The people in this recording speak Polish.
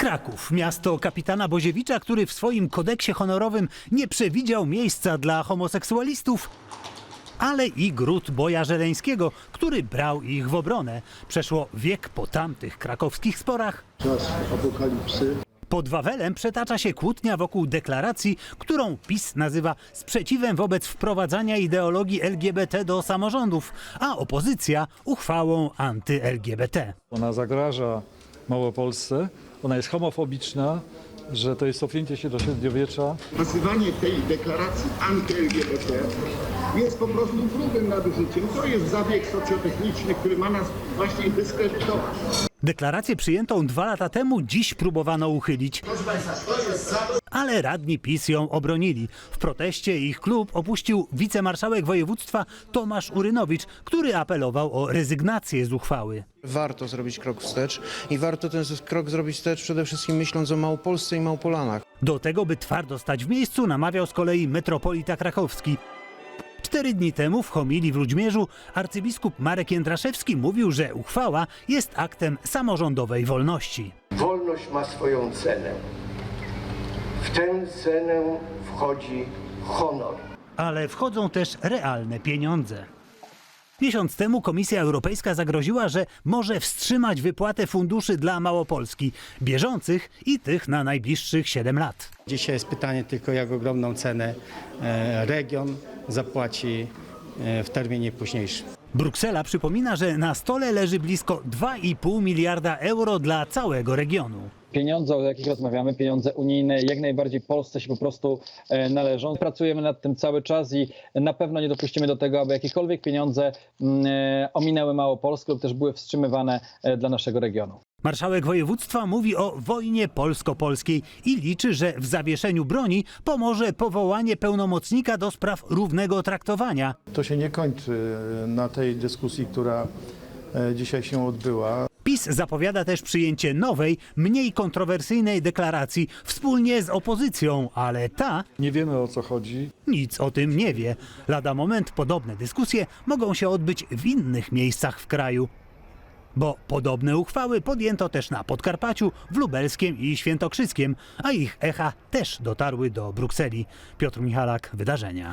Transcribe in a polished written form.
Kraków, miasto kapitana Boziewicza, który w swoim kodeksie honorowym nie przewidział miejsca dla homoseksualistów, ale i gród Boja Żeleńskiego, który brał ich w obronę. Przeszło wiek po tamtych krakowskich sporach. Czas apokalipsy. Pod Wawelem przetacza się kłótnia wokół deklaracji, którą PiS nazywa sprzeciwem wobec wprowadzania ideologii LGBT do samorządów, a opozycja uchwałą anty-LGBT. Ona zagraża Małopolsce, ona jest homofobiczna, że to jest cofnięcie się do średniowiecza. Nazywanie tej deklaracji anty-LGBT jest po prostu grubym nadużyciem. To jest zabieg socjotechniczny, który ma nas właśnie dyskredytować. Deklarację przyjętą 2 lata temu dziś próbowano uchylić, ale radni PiS ją obronili. W proteście ich klub opuścił wicemarszałek województwa Tomasz Urynowicz, który apelował o rezygnację z uchwały. Warto zrobić krok wstecz i warto ten krok zrobić wstecz przede wszystkim myśląc o Małopolsce i Małpolanach. Do tego, by twardo stać w miejscu, namawiał z kolei metropolita krakowski. 4 dni temu w homilii w Ludźmierzu arcybiskup Marek Jędraszewski mówił, że uchwała jest aktem samorządowej wolności. Wolność ma swoją cenę. W tę cenę wchodzi honor. Ale wchodzą też realne pieniądze. Miesiąc temu Komisja Europejska zagroziła, że może wstrzymać wypłatę funduszy dla Małopolski, bieżących i tych na najbliższych 7 lat. Dzisiaj jest pytanie tylko, jak ogromną cenę region zapłaci w terminie późniejszym. Bruksela przypomina, że na stole leży blisko 2,5 miliarda euro dla całego regionu. Pieniądze, o jakich rozmawiamy, pieniądze unijne, jak najbardziej Polsce się po prostu należą. Pracujemy nad tym cały czas i na pewno nie dopuścimy do tego, aby jakiekolwiek pieniądze ominęły Małopolskę lub też były wstrzymywane dla naszego regionu. Marszałek województwa mówi o wojnie polsko-polskiej i liczy, że w zawieszeniu broni pomoże powołanie pełnomocnika do spraw równego traktowania. To się nie kończy na tej dyskusji, która dzisiaj się odbyła. PiS zapowiada też przyjęcie nowej, mniej kontrowersyjnej deklaracji wspólnie z opozycją, ale ta Nie wiemy, o co chodzi. nic o tym nie wie. Lada moment podobne dyskusje mogą się odbyć w innych miejscach w kraju. Bo podobne uchwały podjęto też na Podkarpaciu, w Lubelskiem i Świętokrzyskiem, a ich echa też dotarły do Brukseli. Piotr Michalak, Wydarzenia.